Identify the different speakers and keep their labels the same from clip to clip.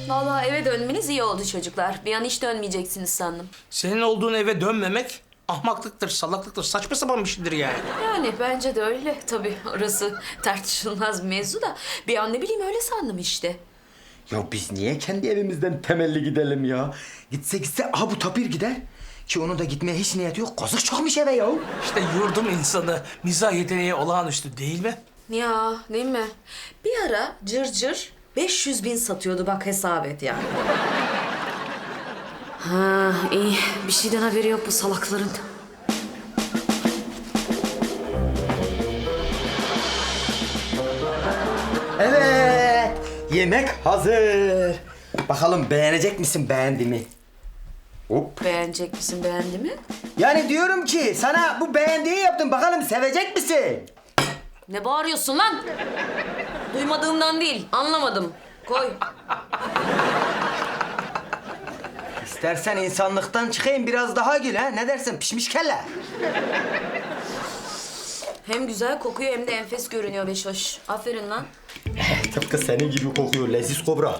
Speaker 1: Vallahi eve dönmeniz iyi oldu çocuklar. Bir an hiç dönmeyeceksiniz sandım.
Speaker 2: Senin olduğun eve dönmemek ahmaklıktır, salaklıktır, saçma sapan bir şeydir yani.
Speaker 1: Yani bence de öyle. Tabii orası tartışılmaz bir mevzu da. Bir an ne bileyim öyle sandım işte.
Speaker 3: Ya biz niye kendi evimizden temelli gidelim ya? Gitse aha bu Tapir gider. Ki onun da gitmeye hiç niyeti yok. Kazık çakmış eve ya.
Speaker 2: İşte yurdum insanı mizah yeteneği olağanüstü değil mi?
Speaker 1: Ya değil mi? Bir ara cırcır 500.000 satıyordu bak hesap et yani. Ha iyi. Bir şeyden haberi yok bu salakların.
Speaker 3: Evet. Yemek hazır. Bakalım beğenecek misin, beğendi mi? Hop.
Speaker 1: Beğenecek misin, beğendi mi?
Speaker 3: Yani diyorum ki sana bu beğendiği yaptım. Bakalım sevecek misin?
Speaker 1: Ne bağırıyorsun lan? Duymadığımdan değil, anlamadım. Koy.
Speaker 3: İstersen insanlıktan çıkayım biraz daha gül ha. Ne dersin pişmiş kelle?
Speaker 1: Hem güzel kokuyor hem de enfes görünüyor Beşoş. Aferin lan.
Speaker 3: Tıpkı senin gibi kokuyor leziz kobra.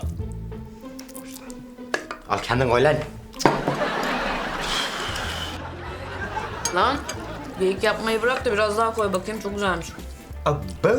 Speaker 3: Al kendin koy lan.
Speaker 1: Lan geyik yapmayı bırak da biraz daha koy bakayım, çok güzelmiş.
Speaker 3: Abo.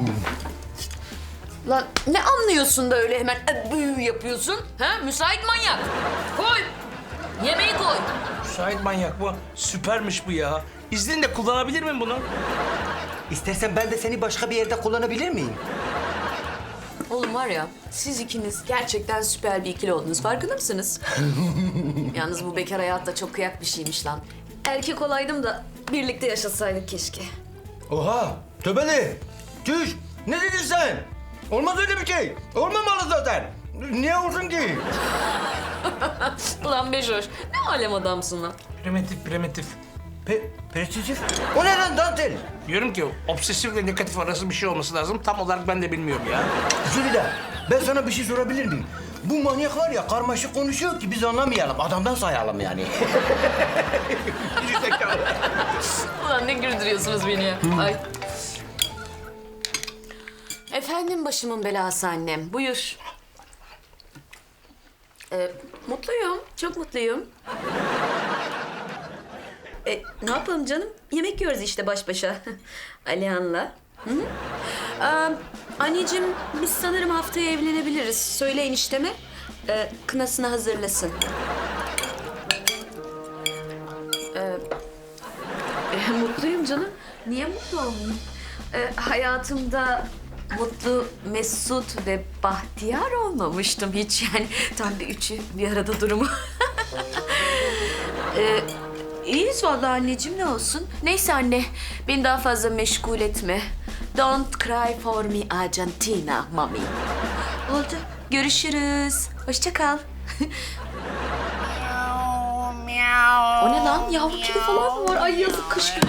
Speaker 1: Lan ne anlıyorsun da öyle hemen büyü yapıyorsun? Ha? Müsait manyak. Koy. Yemeği koy.
Speaker 2: Şahit manyak bu. Süpermiş bu ya. İzninle kullanabilir miyim bunu?
Speaker 3: İstersen ben de seni başka bir yerde kullanabilir miyim?
Speaker 1: Oğlum var ya, siz ikiniz gerçekten süper bir ikili oldunuz. Farkında mısınız? Yalnız bu bekar hayat da çok kıyak bir şeymiş lan. Erkek olaydım da birlikte yaşasaydık keşke.
Speaker 3: Oha! Tövbeli! Tüş! Ne dedin sen? Olmaz öyle bir şey. Olmamalı zaten. Niye olsun ki?
Speaker 1: Ulan Beşoş, ne alem adamsın lan.
Speaker 2: Primitif.
Speaker 3: Prestijif? O ne lan dantel?
Speaker 2: Diyorum ki obsesifle negatif arası bir şey olması lazım. Tam olarak ben de bilmiyorum ya.
Speaker 3: Jülide, ben sana bir şey sorabilir miyim? Bu manyak var ya karmaşık konuşuyor ki biz anlamayalım. Adamdan sayalım yani.
Speaker 1: Ulan ne güldürüyorsunuz beni ya. Ay. Efendim başımın belası annem. Buyur. Mutluyum. Çok mutluyum. Ne yapalım canım? Yemek yiyoruz işte baş başa. Alihan'la. Hı hı. Anneciğim biz sanırım haftaya evlenebiliriz. Söyle enişteme. Kınasını hazırlasın. Mutluyum canım. Niye mutlu olmayayım? Hayatımda mutlu, mesut ve bahtiyar olmamıştım hiç. Yani tam bir üçü bir arada durumu. İyiyiz vallahi anneciğim, ne olsun. Neyse anne, beni daha fazla meşgul etme. Don't cry for me Argentina, mami. Oldu, görüşürüz. Hoşça kal. O ne lan? Yavru kedi falan mı var? Ay yazık, kış günü.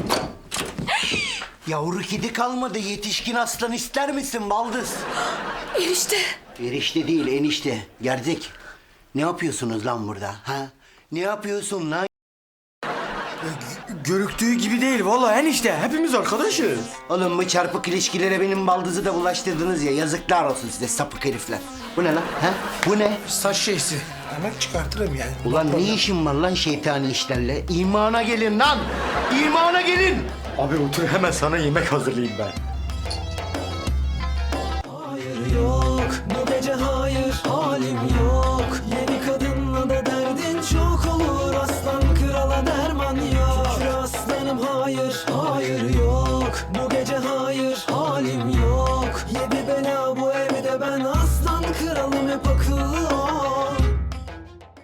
Speaker 4: Yavru kedi kalmadı. Yetişkin aslan ister misin baldız?
Speaker 1: Enişte.
Speaker 4: Erişte değil enişte. Gerzek. Ne yapıyorsunuz lan burada? Ha? Ne yapıyorsun lan?
Speaker 3: Görüktüğü gibi değil vallahi enişte. Hepimiz arkadaşız.
Speaker 4: Oğlum bu çarpık ilişkilere benim baldızı da bulaştırdınız ya. Yazıklar olsun size sapık herifler. Bu ne lan? Ha? Bu ne?
Speaker 2: Saç şeysi. Hemen çıkartırım yani.
Speaker 4: Ulan ne işin var lan şeytani işlerle? İmana gelin lan! İmana gelin!
Speaker 3: Abi otur hemen sana yemek hazırlayayım ben.
Speaker 5: Hayır yok, bu gece hayır, halim yok. Yeni kadınla da derdin çok olur, aslan krala derman yok. Şükür aslanım hayır, hayır yok. Bu gece hayır, halim yok. Yedi bela bu evde, ben aslan kralım hep